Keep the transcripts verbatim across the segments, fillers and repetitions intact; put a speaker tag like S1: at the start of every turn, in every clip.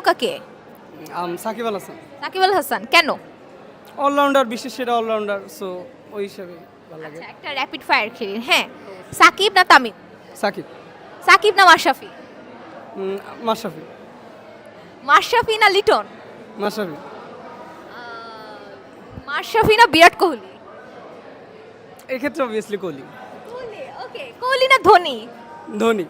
S1: তারকা কে?
S2: আম সাকিব আল হাসান
S1: সাকিব আল হাসান। কেন?
S2: অলরাউন্ডার, বিশেষ সেরা অলরাউন্ডার, সো ওই হিসাবে ভালো লাগে।
S1: আচ্ছা, একটা র্যাপিড ফায়ার খেলি। হ্যাঁ, সাকিব না তামিম?
S2: সাকিব।
S1: সাকিব না মাশরাফি?
S2: উম, মাশরাফি।
S1: মাশরাফি না লিটন?
S2: মাশরাফি।
S1: মাশরাফি না বিরাট কোহলি?
S2: এক্ষেত্রে অবভিয়াসলি কোহলি।
S1: কোহলি। ওকে, কোহলি না ধোনি?
S2: ধোনি।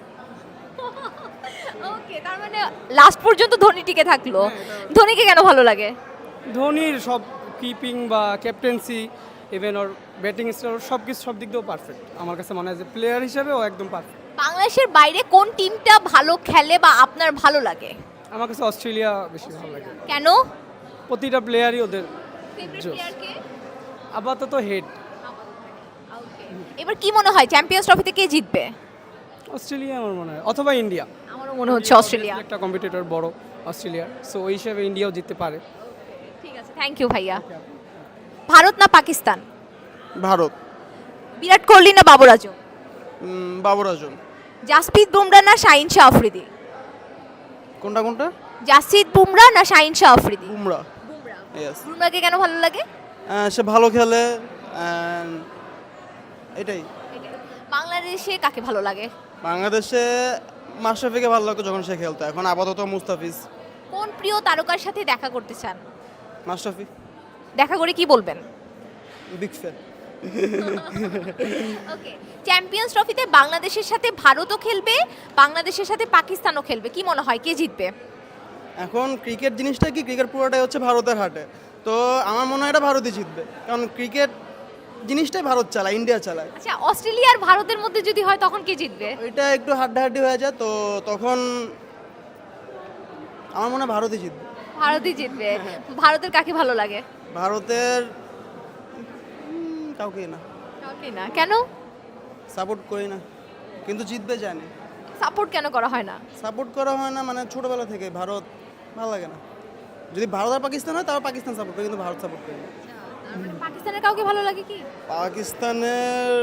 S1: ওকে, তার মানে লাস্ট পর্যন্ত ধোনি টিকে থাকলো। ধোনিকে কেন ভালো লাগে?
S2: ধোনির সব কিপিং বা ক্যাপ্টেন্সি, ইভেন ওর ব্যাটিং স্টাইল, সব কিছু সব দিক দিয়েও পারফেক্ট। আমার কাছে মনে হয় যে প্লেয়ার হিসেবে ও একদম পারফেক্ট।
S1: বাংলাদেশের বাইরে কোন টিমটা ভালো খেলে বা আপনার ভালো লাগে?
S2: আমার কাছে অস্ট্রেলিয়া বেশি ভালো লাগে।
S1: কেন?
S2: প্রতিটা প্লেয়ারই ওদের
S1: ফেভারিট
S2: জোস।
S1: প্লেয়ার কে?
S2: আপাতত হেড।
S1: এবার কি মনে হয় চ্যাম্পিয়ন্স ট্রফিতে কে জিতবে?
S2: অস্ট্রেলিয়া আমার মনে হয়, অথবা ইন্ডিয়া।
S1: আমারও মনে হচ্ছে অস্ট্রেলিয়া।
S2: একটা কম্পিটিটর বড় অস্ট্রেলিয়ার, সো ওই হিসাবে ইন্ডিয়াও জিততে পারে।
S1: ঠিক আছে, থ্যাংক ইউ ভাইয়া। ভারত না পাকিস্তান?
S3: ভারত।
S1: বিরাট কোহলি না বাবর আজম?
S3: উম, বাবর আজম।
S1: জাসপ্রীত বুমরা না শাহিন শাহ আফ্রিদি?
S3: কোনটা কোনটা?
S1: জাসপ্রীত বুমরা না শাহিন শাহ আফ্রিদি?
S3: বুমরা।
S1: বুমরা।
S3: ইয়েস।
S1: বুমরাকে কেন ভালো লাগে?
S3: সে ভালো খেলে and এটাই।
S1: বাংলাদেশে কাকে ভালো লাগে?
S3: বাংলাদেশে মাশরাফিকে ভালো লাগতো যখন সে খেলতো, এখন আপাতত মুস্তাফিজ।
S1: কোন প্রিয় তারকার সাথে দেখা করতে চান?
S3: মাশরাফি।
S1: দেখা করে কি বলবেন?
S3: Big fan.
S1: ওকে, চ্যাম্পিয়ন্স ট্রফিতে বাংলাদেশের সাথে ভারতও খেলবে, বাংলাদেশের সাথে পাকিস্তানও খেলবে। কি মনে হয় কে জিতবে?
S3: এখন ক্রিকেট জিনিসটা কি, ক্রিকেট পুরোটাই হচ্ছে ভারতের হাতে, তো আমার মনে হয় এটা ভারতই জিতবে, কারণ ক্রিকেট জিনিসটাই ভারত চালায়, ইন্ডিয়া চালায়।
S1: আচ্ছা, অস্ট্রেলিয়া আর ভারতের মধ্যে যদি হয় তখন কে জিতবে?
S3: ওইটা একটু হাড্ডাহাড্ডি হয়ে যায়, তো তখন আমার মনে হয় ভারতই জিতবে।
S1: ভারতই জিতবে। ভারতের কাকে ভালো লাগে?
S3: ভারতের উম, কাউকেই না,
S1: কাউকে না। কেন?
S3: সাপোর্ট করি না, কিন্তু জিতবে জানি।
S1: সাপোর্ট কেন করা হয় না?
S3: সাপোর্ট করা হয় না মানে ছোটবেলা থেকে ভারত ভালো লাগে না। যদি ভারত আর পাকিস্তান হয় তাহলে পাকিস্তান সাপোর্ট করি, কিন্তু ভারত সাপোর্ট করি না।
S1: পাকিস্তানের কাউকে ভালো লাগে কি?
S3: পাকিস্তানের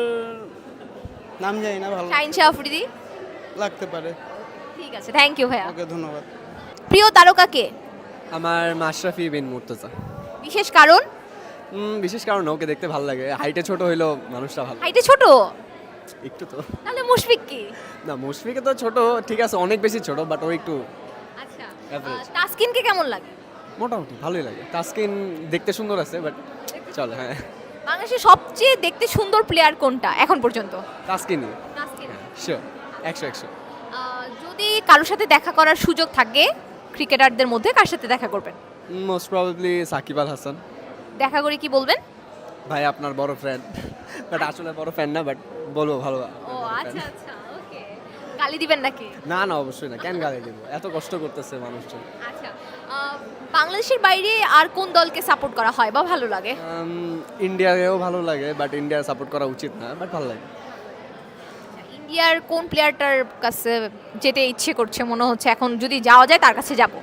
S3: নাম জানি না, ভালো
S1: শাহিন শাহ আফ্রিদি?
S3: লাগতে পারে।
S1: ঠিক আছে, থ্যাংক ইউ ভাইয়া।
S3: ওকে, ধন্যবাদ।
S1: প্রিয় তারকা কে?
S4: আমার মাশরাফি বিন মুর্তজা।
S1: বিশেষ কারণ?
S4: উম, বিশেষ কারণ ওকে দেখতে ভালো লাগে, হাইটে ছোট হইলেও মানুষটা ভালো
S1: হাইটে ছোট?
S4: একটু তো।
S1: তাহলে মুশফিক কি?
S4: না, মুশফিকে তো ছোট, ঠিক আছে, অনেক বেশি ছোট, বাট ও একটু
S1: আচ্ছা,
S4: Average.
S1: আহ, তাসকিনকে কেমন লাগে?
S4: মোটামুটি ভালোই লাগে। তাসকিন দেখতে সুন্দর আছে, বাট চল, হ্যাঁ,
S1: বাংলাদেশের সবচেয়ে দেখতে সুন্দর প্লেয়ার কোনটা এখন পর্যন্ত?
S4: তাসকিনই
S1: তাসকিন।
S4: শিওর, একশো একশো।
S1: আহ, যদি কারোর সাথে দেখা করার সুযোগ থাকে ক্রিকেটারদের মধ্যে, কার সাথে দেখা করবেন?
S4: Most probably Shakib Al Hasan.
S1: দেখা করে কি বলবেন?
S4: ভাই আপনার বড় ফ্যান, বাট আসলে বড় ফ্যান না, বাট বলবো ভালো।
S1: ও আচ্ছা আচ্ছা, ওকে। গালি দিবেন নাকি?
S4: না না, অবশ্যই না, কেন গালি দেবো, এত কষ্ট করতেছে মানুষজন।
S1: আচ্ছা, আহ, বাংলাদেশের বাইরে আর কোন দলকে সাপোর্ট করা হয় বা ভালো লাগে?
S4: উম, ইন্ডিয়াকেও ভালো লাগে, বাট ইন্ডিয়া সাপোর্ট করা উচিত না, বাট ভালো লাগে।
S1: ইন্ডিয়ার কোন প্লেয়ারটার কাছে যেতে ইচ্ছে করছে মনে হচ্ছে এখন যদি যাওয়া যায় তার কাছে যাব?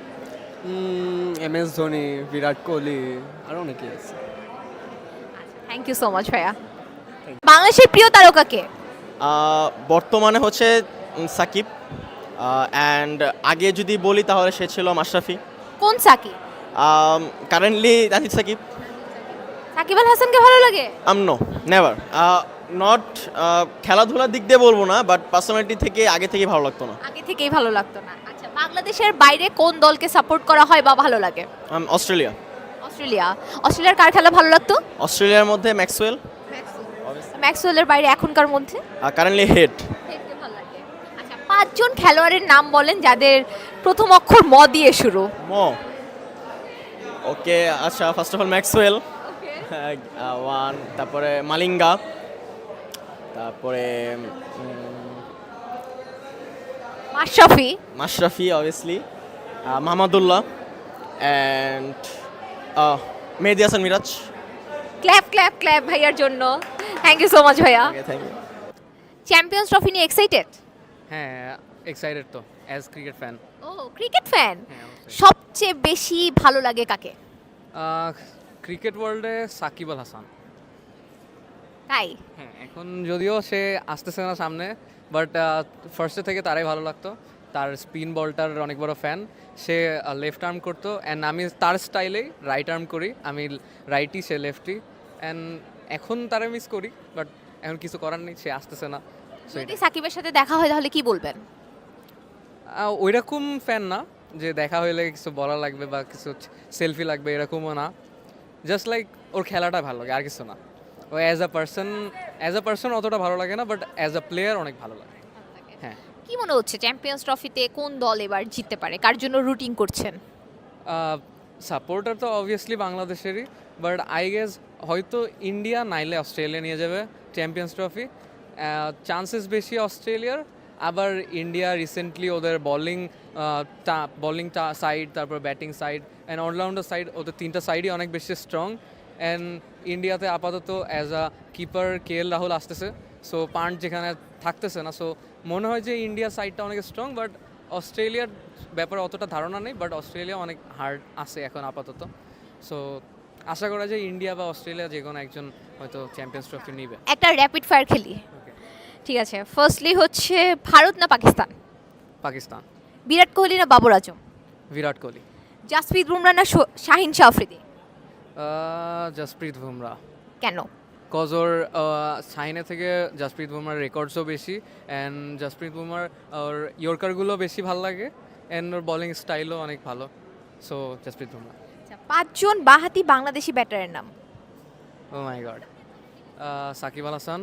S4: এম এস ধোনি, বিরাট কোহলি, আরও অনেকেই আছে।
S1: থ্যাংক ইউ সো মাচ ভাইয়া। বাংলাদেশের প্রিয় তারকা কে?
S5: আহ, বর্তমানে হচ্ছে উম, সাকিব, অ্যান্ড আগে যদি বলি তাহলে সে ছিল মাশরাফি।
S1: কোন সাকিব?
S5: কারেন্টলি নাহিদ সাকিব।
S1: সাকিব আল হাসানকে ভালো লাগে?
S5: আম নো, নেভার, নট খেলাধুলার দিক দিয়ে বলবো না, বাট পার্সোনালিটি থেকে আগে থেকে ভালো লাগতো না।
S1: আগে থেকেই ভালো লাগতো না। আচ্ছা, বাংলাদেশের বাইরে কোন দলকে সাপোর্ট করা হয় বা ভালো লাগে?
S5: Um, Australia.
S1: অস্ট্রেলিয়া। অস্ট্রেলিয়ার কার খেলা ভালো লাগতো?
S5: অস্ট্রেলিয়ার মধ্যে ম্যাক্সওয়েল,
S1: ম্যাক্সওয়েলের বাইরে এখনকার মধ্যে?
S5: Currently Head.
S1: আচ্ছা, পাঁচজন খেলোয়াড়ের নাম বলেন যাদের প্রথম অক্ষর ম দিয়ে শুরু।
S5: ম। ওকে, আচ্ছা, first of all Maxwell, one, তারপরে মালিঙ্গা, তারপরে
S1: Mashrafe.
S5: Mashrafe obviously, Mahmudullah, and Mehedi Hasan Miraz.
S1: Clap clap clap ভাইয়ার জন্য। থ্যাংক ইউ সো মাচ ভাইয়া।
S5: Thank you.
S1: চ্যাম্পিয়ন্স ট্রফি নিয়ে এক্সাইটেড?
S2: হ্যাঁ, এক্সাইটেড তো অ্যাজ ক্রিকেট ফ্যান।
S1: ও, ক্রিকেট ফ্যান।
S2: হ্যাঁ, অবশ্যই।
S1: সবচেয়ে বেশি ভালো লাগে কাকে?
S2: ক্রিকেট ওয়ার্ল্ডে সাকিব আল হাসান।
S1: তাই?
S2: হ্যাঁ, এখন যদিও সে আসতেছে না সামনে, বাট ফার্স্টে থেকে তারাই ভালো লাগতো।
S6: তার স্পিন বলটার অনেক বড় ফ্যান। সে লেফট আর্ম করতো অ্যান্ড আমি তার স্টাইলেই রাইট আর্ম করি, আমি রাইটি সে লেফটি, অ্যান্ড এখন তারা মিস করি বাট এখন কিছু করার নেই, সে আসতেছে না। So
S1: যদি সাকিবের সাথে দেখা হয় তাহলে কি বলবেন?
S6: ওই রকম ফ্যান না যে দেখা হইলে কিছু বলা লাগবে বা কিছু সেলফি লাগবে, এরকমও না। জাস্ট লাইক ওর খেলাটা ভালো লাগে, আর কিছু না। ও as a person as a person অতটা ভালো লাগে না, বাট অ্যাজ আ প্লেয়ার অনেক ভালো লাগে। হ্যাঁ,
S1: কি মনে হচ্ছে চ্যাম্পিয়ন্স ট্রফিতে কোন দল এবার জিততে পারে, কার জন্য রুটিং করছেন?
S6: সাপোর্টার তো অবভিয়াসলি বাংলাদেশেরই, বাট আই গেস হয়তো ইন্ডিয়া নাইলে অস্ট্রেলিয়া নিয়ে যাবে চ্যাম্পিয়ন্স ট্রফি। চান্সেস বেশি অস্ট্রেলিয়ার, আবার ইন্ডিয়া রিসেন্টলি ওদের বলিং বলিং সাইড, তারপর batting side and allrounder side, ওদের তিনটা সাইডই অনেক বেশি স্ট্রং। অ্যান্ড ইন্ডিয়াতে আপাতত as a keeper K L Rahul আসতেছে, সো পান্ট যেখানে থাকতেছে না, সো মনে হয় যে ইন্ডিয়া সাইডটা অনেক স্ট্রং, বাট অস্ট্রেলিয়ার ব্যাপারে অতটা ধারণা নেই, বাট অস্ট্রেলিয়া অনেক হার্ড আছে এখন আপাতত। সো আশা করা যায় ইন্ডিয়া বা অস্ট্রেলিয়া যে কোনো একজন হয়তো চ্যাম্পিয়ন্স ট্রফি নিবে।
S1: একটা র্যাপিড ফায়ার খেলি, ঠিক আছে? ফার্স্টলি হচ্ছে ভারত না পাকিস্তান?
S6: পাকিস্তান।
S1: বিরাট কোহলি না বাবর আজম?
S6: বিরাট কোহলি।
S1: জাসপ্রীত বুমরা না শো- শাহিন শাহ আফ্রিদি?
S6: জাসপ্রীত বুমরা।
S1: কেন?
S6: কজ ওর সাইনে থেকে জাসপ্রীত বুমরার রেকর্ডসও বেশি, অ্যান্ড জাসপ্রীত বুমরার ওর ইয়র্কারগুলো বেশি ভালো লাগে, অ্যান্ড ওর বলিং স্টাইলও অনেক ভালো, সো জাসপ্রীত বুমরা।
S1: আচ্ছা, পাঁচজন বাহাতি বাংলাদেশি ব্যাটারের নাম।
S6: Oh my god. Shakib Al Hasan,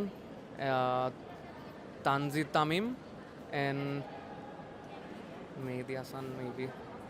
S6: Tanzid Tamim, and Mehedi Hasan maybe.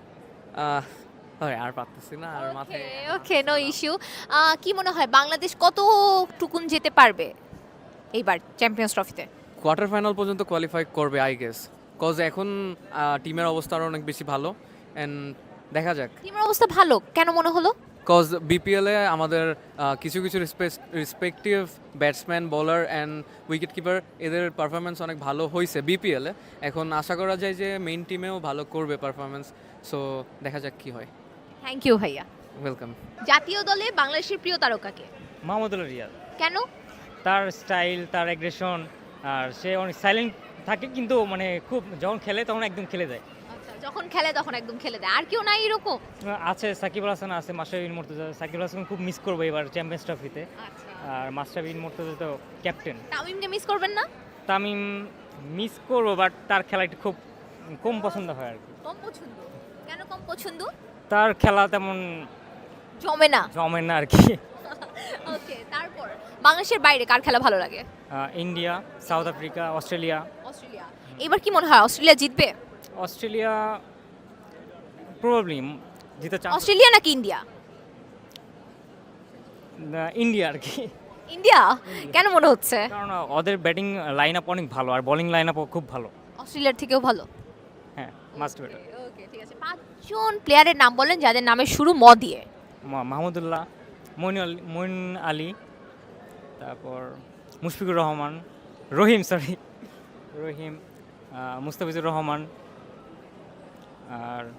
S6: আর পারতেছি না, আর মাথায়।
S1: Okay, no issue. কি মনে হয় বাংলাদেশ কতটুকুন যেতে পারবে এইবার চ্যাম্পিয়ন্স ট্রফিতে?
S6: কোয়ার্টার ফাইনাল পর্যন্ত কোয়ালিফাই করবে আই গেস, কজ এখন টিমের অবস্থা আরও অনেক বেশি ভালো, অ্যান্ড দেখা যাক।
S1: টিমের অবস্থা ভালো কেন মনে হলো?
S6: কজ বিপিএলে আমাদের আহ, কিছু কিছু respective batsman, bowler and wicket keeper এদের পারফরমেন্স অনেক ভালো হয়েছে বিপিএলে। এখন আশা করা যায় যে মেইন টিমেও ভালো করবে পারফরমেন্স, সো দেখা যাক কি হয়।
S1: থ্যাংক ইউ ভাইয়া।
S6: ওয়েলকাম।
S1: জাতীয় দলে বাংলাদেশের প্রিয় তারকাকে?
S7: মাহমুদুল্লাহ রিয়াদ।
S1: কেন?
S7: তার স্টাইল, তার অ্যাগ্রেশন, আর সে অনেক সাইলেন্ট থাকে কিন্তু মানে খুব যখন খেলে তখন একদম খেলে যায়।
S1: আচ্ছা, যখন খেলে তখন একদম খেলে দেয়। আর কেউ নাই এরকম?
S7: আছে সাকিব আল হাসান, আছে মাশরাফি বিন মুর্তজা। সাকিব আল হাসান খুব মিস করবো এবার চ্যাম্পিয়ন্স ট্রফিতে,
S1: আচ্ছা,
S7: আর মাশরাফি বিন মুর্তজা তো ক্যাপ্টেন।
S1: তামিমকে মিস করবেন না?
S7: তামিম মিস করবো, বাট তার খেলা একটু খুব কম পছন্দ হয় আর কি।
S1: কম পছন্দ? কেন কম পছন্দ?
S7: তার খেলা তেমন
S1: জমে না?
S7: জমে না আর কি।
S1: ওকে, তারপর বাংলাদেশের বাইরে কার খেলা ভালো লাগে?
S7: Ah, India, South Africa, Australia.
S1: Australia. এবার কি মনে হয় অস্ট্রেলিয়া জিতবে?
S7: অস্ট্রেলিয়া প্রবাবলি জিতে চান্স।
S1: অস্ট্রেলিয়া নাকি ইন্ডিয়া?
S7: ইন্ডিয়া আর কি,
S1: ইন্ডিয়া। কেন মনে হচ্ছে?
S7: কারণ ওদের ব্যাটিং লাইন আপ অনেক ভালো আর বোলিং লাইন আপও খুব ভালো।
S1: অস্ট্রেলিয়ার থেকেও ভালো?
S7: হ্যাঁ, মাস্ট বেটার।
S1: ওকে, ঠিক আছে। পাঁচজন প্লেয়ারের নাম বলেন যাদের নামের শুরু ম দিয়ে।
S7: মাহমুদুল্লাহ, মইন আলী, মইন আলী, তারপর মুশফিকুর রহমান, রহিম সরি রহিম, আহ, মুস্তাফিজুর রহমান, আর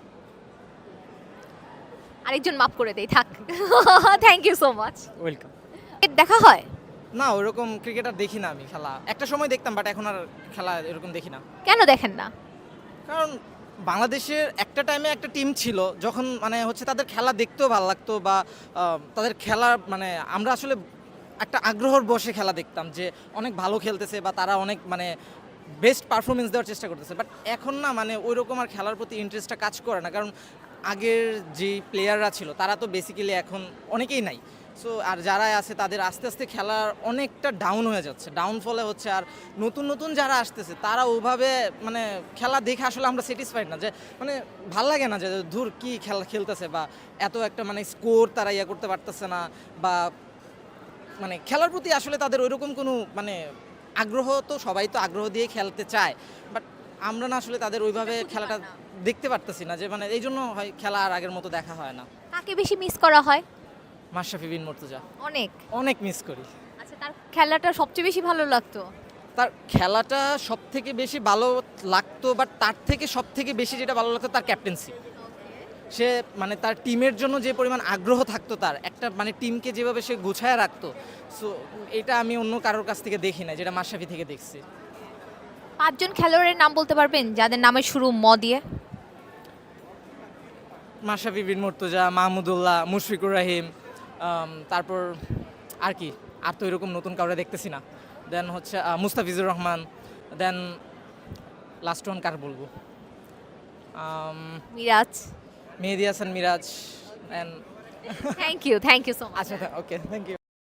S1: আরেকজন মাফ করে দেই, থাক। Thank you so much.
S7: Welcome.
S1: দেখা হয়?
S8: না, ওইরকম ক্রিকেটার দেখি না আমি খেলা। একটা সময় দেখতাম, বাট এখন আর খেলা এরকম দেখি না।
S1: কেন দেখেন না?
S8: কারণ বাংলাদেশের একটা টাইমে একটা টিম ছিল, যখন মানে হচ্ছে তাদের খেলা দেখতেও ভালো লাগতো, বা আহ, তাদের খেলা মানে আমরা আসলে একটা আগ্রহর বসে খেলা দেখতাম যে অনেক ভালো খেলতেছে বা তারা অনেক মানে বেস্ট পারফরমেন্স দেওয়ার চেষ্টা করতেছে। বাট এখন না, মানে ওই রকম আর খেলার প্রতি ইন্টারেস্টটা কাজ করে না, কারণ আগের যে প্লেয়াররা ছিল তারা তো বেসিক্যালি এখন অনেকেই নাই। সো আর যারা আছে তাদের আস্তে আস্তে খেলার অনেকটা ডাউন হয়ে যাচ্ছে, ডাউন ফলে হচ্ছে। আর নতুন নতুন যারা আসতেছে তারা ওভাবে মানে খেলা দেখে আসলে আমরা স্যাটিসফাইড না, যে মানে ভাল লাগে না যে ধুর কি খেলা খেলতেছে, বা এত একটা মানে স্কোর তারা ইয়ে করতে পারতেছে না, বা মানে খেলার প্রতি আসলে তাদের ওইরকম কোনো মানে আগ্রহ, তো সবাই তো আগ্রহ দিয়ে খেলতে চায়, বাট আমরা না আসলে তাদের ওইভাবে খেলাটা দেখতে পারতেছি না, যে মানে এই জন্য হয় খেলা আর আগের মতো দেখা হয় না।
S1: কাকে বেশি মিস করা হয়?
S8: মাশরাফি বিন মুর্তজা
S1: অনেক
S8: অনেক মিস করি।
S1: আচ্ছা, তার খেলাটা সবচেয়ে বেশি ভালো লাগতো?
S8: তার খেলাটা সব থেকে বেশি ভালো লাগতো, বাট তার থেকে সব থেকে বেশি যেটা ভালো লাগতো তার ক্যাপ্টেন্সি। সে মানে তার টিমের জন্য যে পরিমাণ আগ্রহ থাকতো, তার একটা মানে টিমকে যেভাবে সে গুছায় রাখতো, সো এটা আমি অন্য কারোর কাছ থেকে দেখি না, যেটা মাশরাফি থেকে দেখছি।
S1: পাঁচজন খেলোয়াড়ের নাম বলতে পারবেন যাদের নামে শুরু ম দিয়ে?
S8: মাশরাফি বিন মুর্তজা, মাহমুদুল্লাহ, মুশফিকুর রহিম, আম, তারপর আর কি, আর তো এরকম নতুন কাউরে দেখতেছি না। দেন হচ্ছে ah, Mustafizur Rahman, then last one কার বলবো, um,
S1: Miraz.
S8: Mehedi Hasan Miraz, and
S1: thank you thank you so much.
S8: আচ্ছা ওকে থ্যাংক ইউ।